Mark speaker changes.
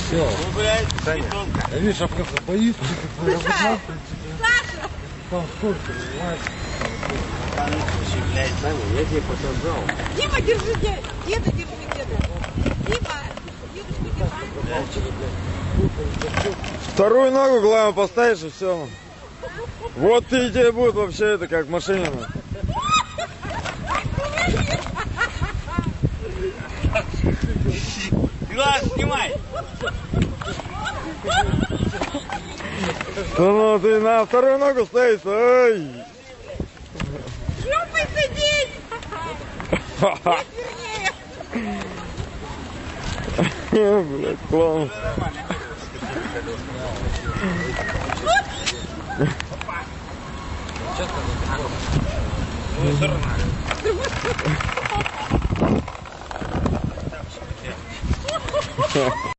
Speaker 1: Все.
Speaker 2: Ну, блядь,
Speaker 1: Саня,
Speaker 2: бетонка.
Speaker 1: я видишь, оказывается, боится.
Speaker 3: Саша!
Speaker 1: Там сколько, понимаешь?
Speaker 2: А ну, слушай, блядь.
Speaker 1: Саня, я тебе показал.
Speaker 3: Дима, держи деда! Деда, держи деда! Дима! Дедушку держи!
Speaker 4: Вторую ногу, главное, поставишь и все. Вот и тебе будет вообще это как в машине.
Speaker 2: Глаз снимай.
Speaker 4: Ну, ты на вторую ногу ставишь. Ай.
Speaker 3: Шлюпай сидеть! Вернее!
Speaker 4: Блядь, клоун.
Speaker 2: Ну,